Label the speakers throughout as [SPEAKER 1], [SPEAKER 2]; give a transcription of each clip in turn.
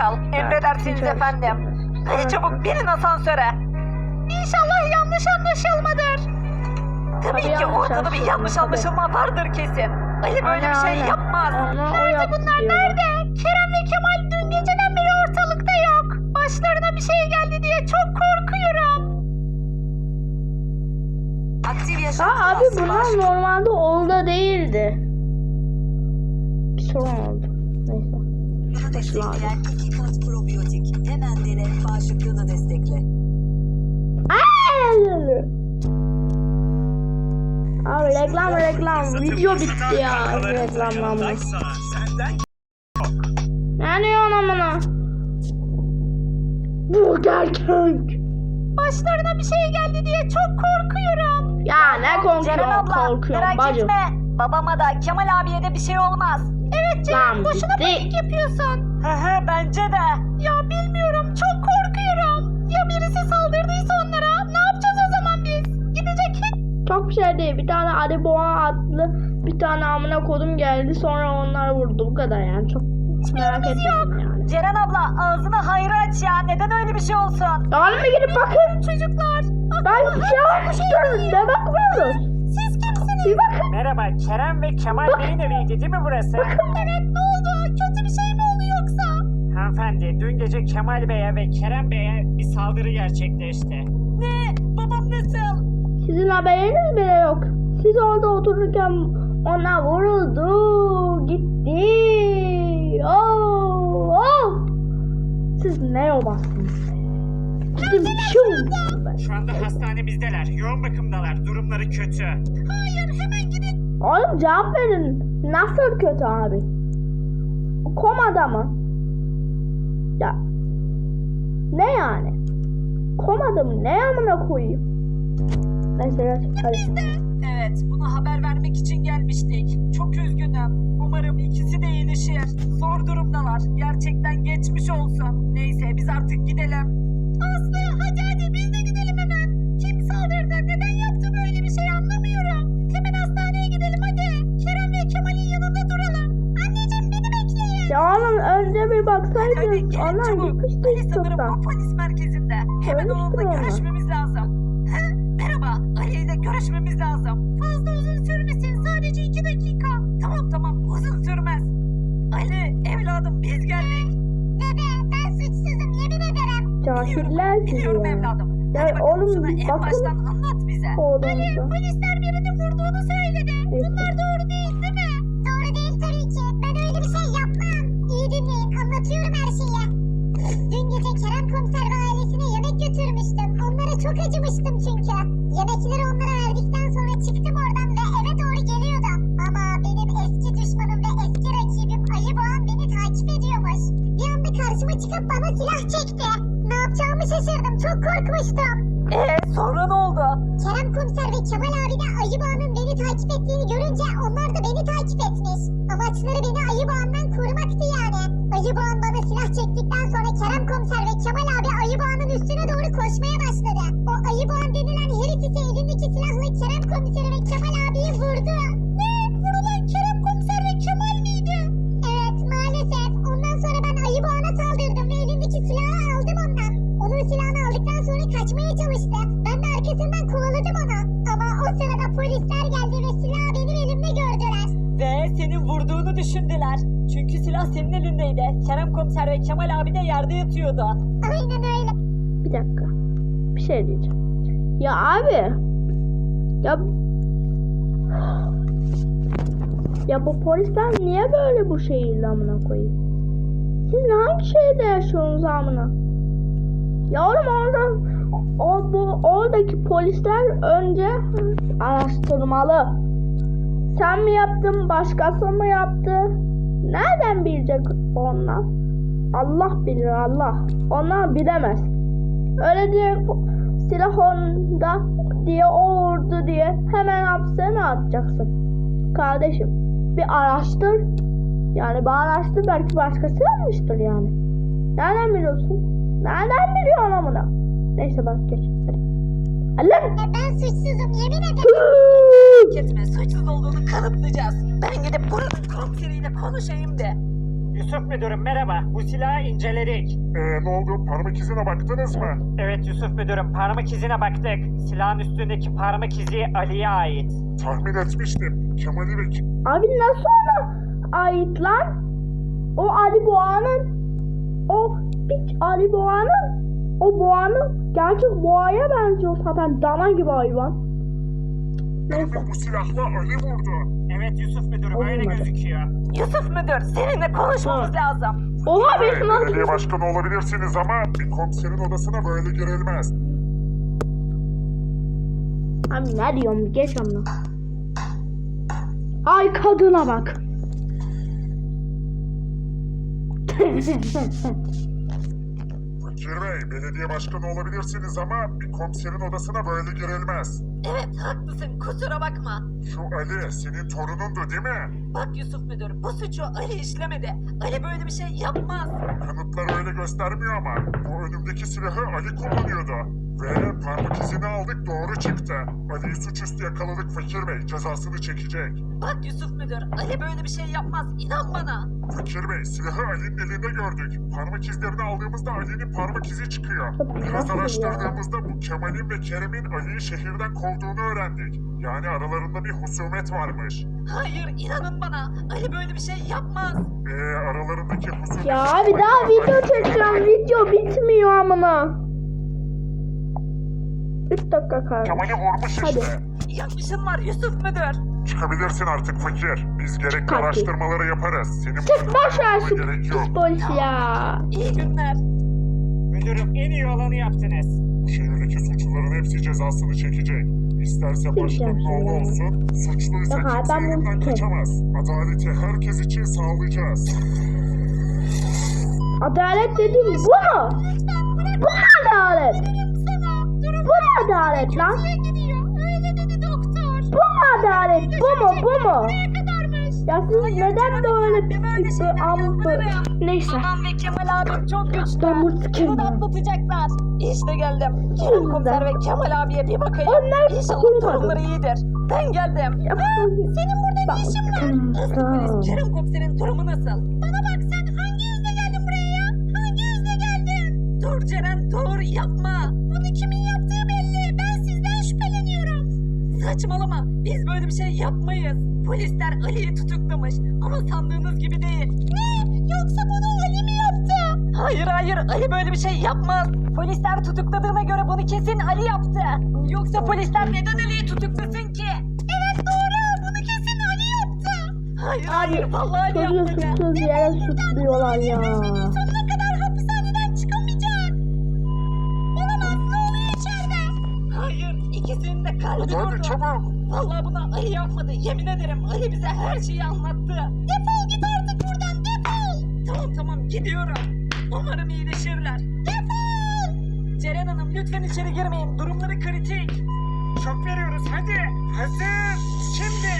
[SPEAKER 1] kal. Emredersiniz efendim. Hadi çabuk binin asansöre. İnşallah yanlış anlaşılmadır. Tabii ki ortada bir yanlış anlaşılma vardır kesin. Ali böyle bir şey yapmaz.
[SPEAKER 2] Nerede bunlar nerede? Kerem ve Kemal dün geceden beri ortalıkta yok. Başlarına bir şey geldi diye çok korkuyorum.
[SPEAKER 3] Abi bunlar normalde orada değildi. Bir sorun oldu. Neyse.
[SPEAKER 4] Bunu destekleyen 2 kat probiyotik. Hemen dene, bağışıklığını destekle.
[SPEAKER 3] Abi reklam. Video bitti ya. Reklamlanma. Ne diyorsun amına? Burger King.
[SPEAKER 2] Başlarına bir şey geldi diye çok korkuyorum.
[SPEAKER 3] Ya ne
[SPEAKER 1] Ceren abla
[SPEAKER 3] korkuyorum
[SPEAKER 1] merak
[SPEAKER 3] bacım.
[SPEAKER 1] etme. Babama da Kemal abiye de bir şey olmaz.
[SPEAKER 2] Evet Ceren
[SPEAKER 3] Lan
[SPEAKER 2] boşuna
[SPEAKER 3] bitti.
[SPEAKER 2] panik yapıyorsun.
[SPEAKER 1] Bence de.
[SPEAKER 2] Ya bilmiyorum çok korkuyorum. Ya birisi saldırdıysa onlara ne yapacağız o zaman biz? Gidecek hiç
[SPEAKER 3] Çok bir şey değil. Bir tane Ali Boğa adlı bir tane amına kodum geldi. Sonra onları vurdu. Bu kadar yani. Çok merak etmedim yani.
[SPEAKER 1] Ceren abla ağzını hayra aç ya. Neden öyle bir şey olsun?
[SPEAKER 3] Yani bir gidip bakın.
[SPEAKER 2] çocuklar.
[SPEAKER 3] Ben bir şey yapmıştım. Ne bakmıyoruz?
[SPEAKER 2] Siz kimsiniz?
[SPEAKER 3] Bir bakın.
[SPEAKER 5] Merhaba, Kerem ve Kemal Bey'in eviydi değil mi burası?
[SPEAKER 2] Evet ne oldu? Kötü bir şey mi oldu yoksa?
[SPEAKER 5] Hanımefendi, dün gece Kemal Bey'e ve Kerem Bey'e bir saldırı gerçekleşti.
[SPEAKER 1] Ne? Babam nasıl?
[SPEAKER 3] Sizin haberiniz bile yok. Siz orada otururken ona vuruldu. Gitti. Oh. Siz ne yobasınız? Gidin
[SPEAKER 5] Şu anda hastanemizdeler, yoğun bakımdalar, durumları kötü.
[SPEAKER 2] Hayır hemen gidin.
[SPEAKER 3] Oğlum cevap verin. Nasıl kötü abi? Komada mı? Ya. Ne yani? Komada mı? Ne amına koyayım? Neyse geç. Hadi.
[SPEAKER 1] Evet, bunu haber vermek için gelmiştik. Çok üzgünüm. Umarım ikisi de iyileşir. Zor durumdalar. Gerçekten geçmiş olsun. Neyse biz artık gidelim.
[SPEAKER 2] Aslı hadi biz de gidelim hemen. Kim saldırdı? Neden yaptı böyle bir şey anlamıyorum. Hemen hastaneye gidelim hadi. Kerem ve Kemal'in yanında duralım. Anneciğim beni bekleyin.
[SPEAKER 3] Ya oğlum önce bir
[SPEAKER 1] Hadi
[SPEAKER 3] baksaydın.
[SPEAKER 1] gelin
[SPEAKER 3] Ana
[SPEAKER 1] çabuk.
[SPEAKER 3] gitmişti
[SPEAKER 1] Ali sanırım
[SPEAKER 3] çoktan.
[SPEAKER 1] bu polis merkezinde. Hemen
[SPEAKER 3] Ölmüştür
[SPEAKER 1] onunla
[SPEAKER 3] ama.
[SPEAKER 1] görüşmemiz lazım. Merhaba, Ali ile görüşmemiz lazım.
[SPEAKER 2] Fazla uzun sürmesin sadece 2 dakika.
[SPEAKER 1] Tamam uzun sürmez. Ali evladım biz geldik.
[SPEAKER 2] Dede ben suçsuzum yemin ederim.
[SPEAKER 3] Cahiller sizi
[SPEAKER 1] Biliyorum
[SPEAKER 3] ya.
[SPEAKER 1] evladım.
[SPEAKER 3] Ya
[SPEAKER 1] Hadi bakalım
[SPEAKER 3] oğlum,
[SPEAKER 1] şunu en
[SPEAKER 3] bakın.
[SPEAKER 1] baştan anlat bize.
[SPEAKER 3] Oğlumuza.
[SPEAKER 2] Polisler birini vurduğunu söyledi. Bunlar doğru değil mi? Doğru değil tabii ki. Ben öyle bir şey yapmam. İyi dinleyin anlatıyorum her şeyi. Dün gece Kerem komiser ve ailesine yemek götürmüştüm. Onlara çok acımıştım çünkü. Yemekleri onlara verdikten sonra çıktım oradan ve eve doğru geliyordum. Ama benim eski düşmanım ve eski rakibim Ayı Boğan beni takip ediyormuş. Bir anda karşıma çıkıp bana silah çekti. Ne yapacağımı şaşırdım. Çok korkmuştum.
[SPEAKER 1] Sonra ne oldu?
[SPEAKER 2] Kerem komiser ve Kemal abi de Ayı Boğa'nın beni takip ettiğini görünce onlar da beni takip etmiş. Amaçları beni Ayı Boğa'ndan korumaktı yani. Ayı Boğan bana silah çektikten sonra Kerem komiser ve Kemal abi Ayı Boğa'nın üstüne doğru koşmaya başladı. O Ayı Boğan denilen herif ise elindeki silahla Kerem komiseri ve Kemal abiyi vurdu. Ne? Vurulan Kerem komiser ve Kemal miydi? Evet maalesef. Ondan sonra ben Ayı Boğan'a saldırdım ve elindeki silahı aldım ondan. Onun silahını aldıktan sonra kaçmaya çalıştı. Ben de arkasından kovaladım onu. Ama o sırada polisler geldi ve silahı benim elimde gördüler.
[SPEAKER 1] Ve senin vurduğunu düşündüler. Çünkü silah senin elindeydi. Kerem komiser ve Kemal abi de yerde yatıyordu.
[SPEAKER 2] Aynen öyle.
[SPEAKER 3] Bir dakika. Bir şey diyeceğim. Ya abi. Ya bu polisler niye böyle bu şehirde amına koyayım? Siz hangi şehirde yaşıyorsunuz amına? Ya oğlum oradaki polisler önce araştırmalı. Sen mi yaptın, başkası mı yaptı? Nereden bilecek onlar? Allah bilir Allah. Onlar bilemez. Öyle diye silah onda diye o vurdu diye hemen hapse mi atacaksın? Kardeşim bir araştır. Yani bir araştır belki başkası yapmıştır yani. Nereden biliyorsun? Nereden biliyorsun amına? Neyse bak geç. Hadi. Allah!
[SPEAKER 2] Ben suçsuzum yemin ederim.
[SPEAKER 1] Etme suçsuz olduğunu kanıtlayacağız. Ben gidip buranın komiseriyle konuşayım de.
[SPEAKER 5] Yusuf müdürüm merhaba. Bu silahı inceledik.
[SPEAKER 6] Ne oldu? Parmak izine baktınız mı?
[SPEAKER 5] Evet Yusuf müdürüm parmak izine baktık. Silahın üstündeki parmak izi Ali'ye ait.
[SPEAKER 6] Tahmin etmiştim. Kemal'i ve
[SPEAKER 3] Abi nasıl ona ait lan? O Ali Boğa'nın. O piç Ali Boğa'nın. O Boğa'nın gerçek Boğa'ya benziyor zaten. Dana gibi hayvan. Neyse.
[SPEAKER 6] bu silahla Ali vurdu.
[SPEAKER 5] Evet Yusuf müdürüm öyle
[SPEAKER 3] Olmadı.
[SPEAKER 5] gözüküyor.
[SPEAKER 1] Yusuf müdür seninle konuşmamız lazım.
[SPEAKER 3] Oha benim
[SPEAKER 6] Belediye
[SPEAKER 3] nasıl?
[SPEAKER 6] başkanı olabilirsiniz ama bir komiserin odasına böyle girilmez.
[SPEAKER 3] Abi ne diyorum geç onu. Ay kadına bak.
[SPEAKER 6] Fakir Bey, belediye başkanı olabilirsiniz ama bir komiserin odasına böyle girilmez.
[SPEAKER 1] Evet haklısın kusura bakma.
[SPEAKER 6] Şu Ali senin torunundu değil mi?
[SPEAKER 1] Bak Yusuf müdür bu suçu Ali işlemedi. Ali böyle bir şey yapmaz.
[SPEAKER 6] Kanıtlar öyle göstermiyor ama bu önümdeki silahı Ali kullanıyordu. Ve parmak izini aldık doğru çıktı. Ali'yi suçüstü yakaladık Fakir Bey, cezasını çekecek.
[SPEAKER 1] Bak Yusuf müdür Ali böyle bir şey yapmaz inan bana.
[SPEAKER 6] Fakir Bey, silahı Ali'nin elinde gördük. Parmak izlerini aldığımızda Ali'nin parmak izi çıkıyor. Biraz araştırdığımızda bu Kemal'in ve Kerem'in Ali'yi şehirden kovduğunu öğrendik. Yani aralarında bir husumet varmış.
[SPEAKER 1] Hayır inanın bana Ali böyle bir şey yapmaz.
[SPEAKER 6] Aralarındaki husumet...
[SPEAKER 3] Ya abi daha video çekeceğim. Video bitmiyor amına. 3 dakika kaldı.
[SPEAKER 6] Kemal'i vurmuş
[SPEAKER 3] Hadi.
[SPEAKER 6] işte.
[SPEAKER 1] Yanlışın var Yusuf müdür.
[SPEAKER 6] Çıkabilirsin artık Fakir. Biz gerekli
[SPEAKER 3] Hadi.
[SPEAKER 6] araştırmaları yaparız. Senin
[SPEAKER 3] Çık boş ver şu
[SPEAKER 6] gerek yok.
[SPEAKER 3] pis polis ya.
[SPEAKER 1] İyi günler.
[SPEAKER 5] Müdürüm en iyi olanı yaptınız.
[SPEAKER 6] Bu şehirdeki suçluların hepsi cezasını çekecek. İsterse başkanın oğlu olsun, suçluysa
[SPEAKER 3] Yok abi,
[SPEAKER 6] kimse
[SPEAKER 3] ben bunu
[SPEAKER 6] elimden
[SPEAKER 3] tutarım.
[SPEAKER 6] kaçamaz. Adaleti herkes için sağlayacağız.
[SPEAKER 3] Adalet dediğin bu mu? Bu mu adalet? Bu mu adalet lan? Bu mu adalet? Bu mu? Bu mu? Ya siz neden böyle pis neyse.
[SPEAKER 1] Babam ve Kemal abim çok güçlü.
[SPEAKER 3] Ben bu sikerim.
[SPEAKER 1] Bunu da atlatacaklar. İşte geldim. Kerem komiser ve Kemal abiye bir bakayım.
[SPEAKER 3] Onlar
[SPEAKER 1] İnşallah
[SPEAKER 3] kurmadı.
[SPEAKER 1] durumları iyidir. Ben geldim. Senin burada ne işin var? Eski polis Kerem komiserin durumu nasıl? Bana bak sen hangi yüzle geldin buraya ya? Hangi yüzle geldin? Dur Ceren dur yapma. Bunu kimin yaptığı belli. Ben sizden şüpheleniyorum. Saçmalama. Biz böyle bir şey yapmayız. Polisler Ali'yi tutuklamış. Ama sandığınız gibi değil. Ne? Yoksa bunu Ali mi yaptı? Hayır hayır Ali böyle bir şey yapmaz. Polisler tutukladığına göre bunu kesin Ali yaptı. Yoksa polisler neden Ali'yi tutuklasın ki? Evet doğru bunu kesin Ali yaptı. Hayır hayır vallahi Ali
[SPEAKER 3] Çocuğu
[SPEAKER 1] yaptı.
[SPEAKER 3] suçsuz yere suçluyorlar ya.
[SPEAKER 1] Sonuna kadar hapishaneden çıkamayacak. Olamaz ne oluyor içeride? Hayır ikisinin de kalbi
[SPEAKER 6] Hadi
[SPEAKER 1] durdu.
[SPEAKER 6] çabuk.
[SPEAKER 1] Vallahi bunu Ali yapmadı. Yemin ederim Ali bize her şeyi anlattı. Defol git artık buradan defol. Tamam tamam gidiyorum. Umarım iyileşirler. Defol. Ceren Hanım lütfen içeri girmeyin. Durumları kritik.
[SPEAKER 5] Şok veriyoruz hadi. Hazır. Şimdi.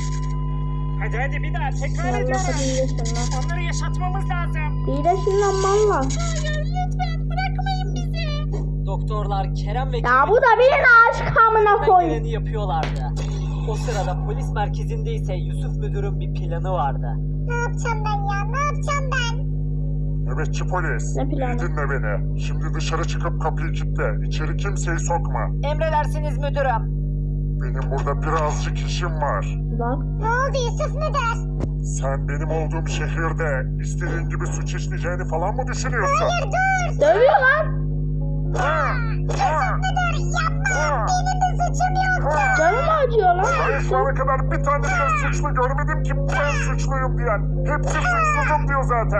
[SPEAKER 5] Hadi hadi bir daha tekrar
[SPEAKER 3] Allah hadi
[SPEAKER 5] ediyorum.
[SPEAKER 3] iyileşin lan.
[SPEAKER 5] Onları yaşatmamız lazım.
[SPEAKER 3] İyileşin lan valla.
[SPEAKER 1] Hayır lütfen bırakmayın bizi.
[SPEAKER 7] Doktorlar Kerem ve
[SPEAKER 3] Ya bu da bir aşk amına koy.
[SPEAKER 7] geleni yapıyorlardı. O sırada polis merkezinde ise Yusuf müdürün bir planı vardı.
[SPEAKER 2] Ne yapacağım ben ya? Ne yapacağım ben?
[SPEAKER 6] Nöbetçi polis.
[SPEAKER 3] Ne planı?
[SPEAKER 6] İyi dinle beni. Şimdi dışarı çıkıp kapıyı kilitle. İçeri kimseyi sokma.
[SPEAKER 1] Emredersiniz müdürüm.
[SPEAKER 6] Benim burada birazcık işim var.
[SPEAKER 3] Lan.
[SPEAKER 2] Ne oldu Yusuf müdür?
[SPEAKER 6] Sen benim olduğum şehirde istediğin gibi suç işleyeceğini falan mı düşünüyorsun?
[SPEAKER 2] Hayır dur.
[SPEAKER 3] Dövüyor lan.
[SPEAKER 2] Yusuf müdür yapma. Benim bir suçum yoktu.
[SPEAKER 3] Canım acıyor lan.
[SPEAKER 6] Ben şu ana kadar bir tane bile suçlu görmedim ki ben suçluyum diyen. Hepsi suçsuzum diyor zaten.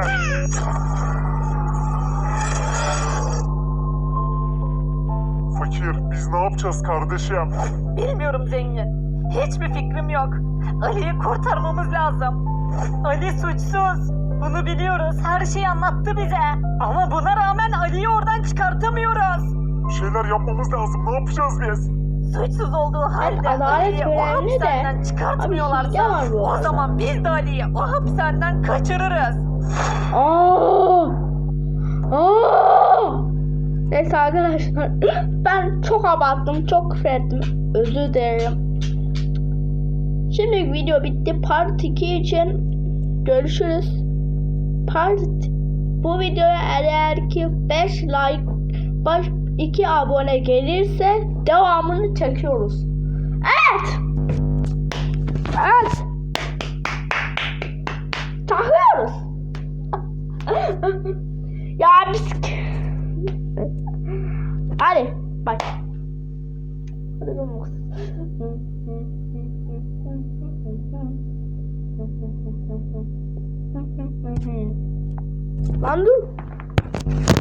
[SPEAKER 6] Fakir, biz ne yapacağız kardeşim?
[SPEAKER 1] Bilmiyorum zengin. Hiçbir fikrim yok. Ali'yi kurtarmamız lazım. Ali suçsuz. Bunu biliyoruz. Her şeyi anlattı bize. Ama buna rağmen Ali'yi oradan çıkartamıyoruz.
[SPEAKER 6] Bir şeyler yapmamız lazım. Ne yapacağız biz?
[SPEAKER 1] Suçsuz olduğu halde
[SPEAKER 3] Adalet
[SPEAKER 1] Ali'yi o
[SPEAKER 3] önemli de.
[SPEAKER 1] hapishaneden
[SPEAKER 3] Abi
[SPEAKER 1] çıkartmıyorlarsa
[SPEAKER 3] hile var bu
[SPEAKER 1] o
[SPEAKER 3] arada.
[SPEAKER 1] zaman biz de Ali'yi o hapishaneden kaçırırız.
[SPEAKER 3] Aa! Aa! Neyse arkadaşlar ben çok abarttım, çok küfür ettim. Özür dilerim. Şimdi video bitti. Part 2 için görüşürüz. part bu videoya eğer ki 5 like 2 abone gelirse devamını çekiyoruz. Evet. Evet. Takıyoruz. Ya biz... Hadi bak. Hadi bakalım. Lan dur.